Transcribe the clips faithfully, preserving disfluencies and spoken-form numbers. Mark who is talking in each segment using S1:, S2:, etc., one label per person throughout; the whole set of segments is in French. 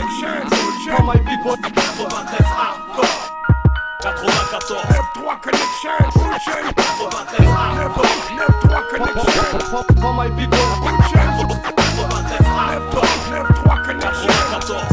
S1: connection. For my people. quatre-vingt-treize hardcore. quatre-vingt-quatorze. neuf trois connection. quatre-vingt-treize hardcore. neuf trois connection. For my people. quatre-vingt-treize hardcore. neuf trois connection. quatre-vingt-quatorze.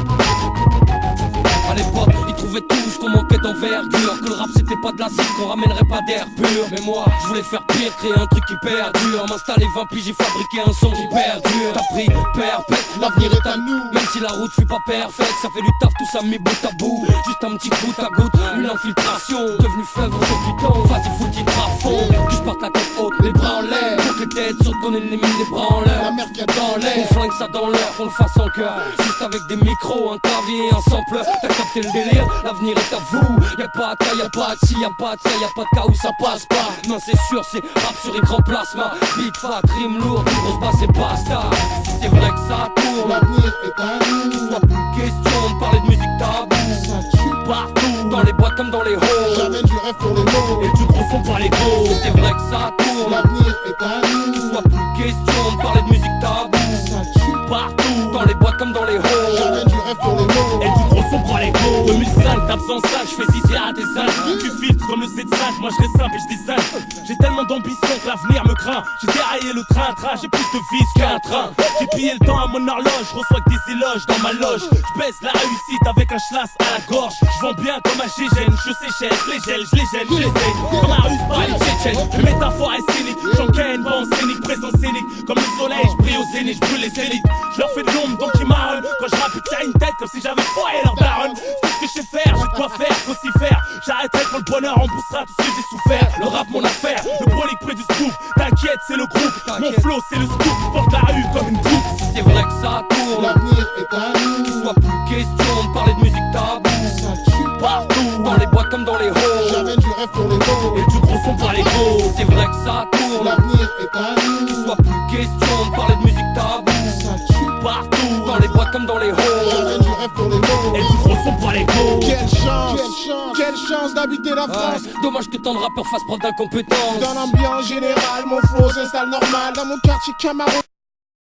S2: À l'époque, ils trouvaient tous qu'on manquait d'envergure, que le rap c'était pas de la zig, qu'on ramènerait pas d'air pur. Mais moi, je voulais faire pire, créer un truc qui perdure, m'installer vingt piges, j'ai fabriqué un son qui perdure. T'as pris perpète, l'avenir est à nous. Même si la route fut pas parfaite, ça fait du taf, tout ça mis bout à bout. Juste un petit goutte à goutte, une infiltration, devenu fleuve au du temps. Vas-y foutu à fond, que je porte la tête haute, les bras en l'air. Toutes les têtes sur qu'on est les mines, les bras en l'air. La mer qui a dans l'air, on flingue ça dans l'air, qu'on le fasse en cœur. Juste avec des micros, un clavier, un sampleur. T'as capté le délire, l'avenir est à vous. Y'a pas de cas, y'a pas de si, y'a pas de ça, y'a pas de cas où ça passe pas. Non c'est sûr, c'est rap sur écran plasma. Big fat, rime lourd, grosse basse et basta. Si c'est vrai que ça tourne,
S3: l'avenir est à nous.
S2: soit plus question de parler de musique tabou.
S3: Ça tue
S2: partout, dans les boîtes comme dans les halls.
S3: J'amène du rêve pour les mots.
S2: Et du gros son par les gros. Si c'est vrai que ça tourne,
S3: l'avenir est à nous.
S2: soit plus question de parler de musique tabou.
S3: Ça tue
S2: partout, dans les boîtes comme dans les halls.
S3: J'amène du rêve pour les mots.
S1: Et du gros son prend les go. deux mille cinq, d'absence cinq, j'fais zizi à des âges. Tu filtres comme le Z cinq, moi je reste simple et je design. J'ai tellement d'ambition que l'avenir me craint. J'ai déraillé le train-train, j'ai plus de vis qu'un train. J'ai pillé le temps à mon horloge, je reçois que des éloges dans ma loge. Je baisse la réussite avec un schlass à la gorge. Je vends bien comme un gégène, je séchelle, je les gèle, je les gèle, je les aide. Comme un russe par les tchétchènes, une métaphore est scénique. J'encaîne, pas en scénique, présence scénique. Comme le soleil, je brille au zénith, je brûle les élites. Je leur fais de l'ombre donc ils marronnent. Quand je rappe, ils une tête comme si j'avais foiré leur daronne. C'est ce que je sais faire, j'ai de quoi faire, faut s'y faire. J'arrêterai pour le bonheur, on poussera tout ce que j'ai souffert. Le rap, mon affaire, le prolique près du scoop. T'inquiète, c'est le groupe, mon flow, c'est le scoop. Je porte la rue comme une coupe.
S2: Si c'est vrai que ça tourne,
S3: l'avenir est à nous.
S2: soit plus question de parler de musique tabou.
S3: Ça tue
S2: Partout, dans les boîtes comme dans les halls.
S3: J'amène du rêve pour les mots.
S1: Et du gros son par les gros.
S2: Si c'est vrai que ça tourne,
S3: L'avenir est à nous.
S2: soit plus question de parler de musique tabou.
S3: Ça tue
S2: Partout, dans les boîtes comme dans les halls.
S3: J'amène du rêve pour les mots.
S1: Et du gros son par les gros.
S3: Quelle chance, quelle chance, quelle chance d'habiter la France.
S2: Ouais, dommage que tant de rappeurs fassent preuve d'incompétence.
S3: Dans l'ambiance générale, mon flow s'installe normal. Dans mon quartier Camaro.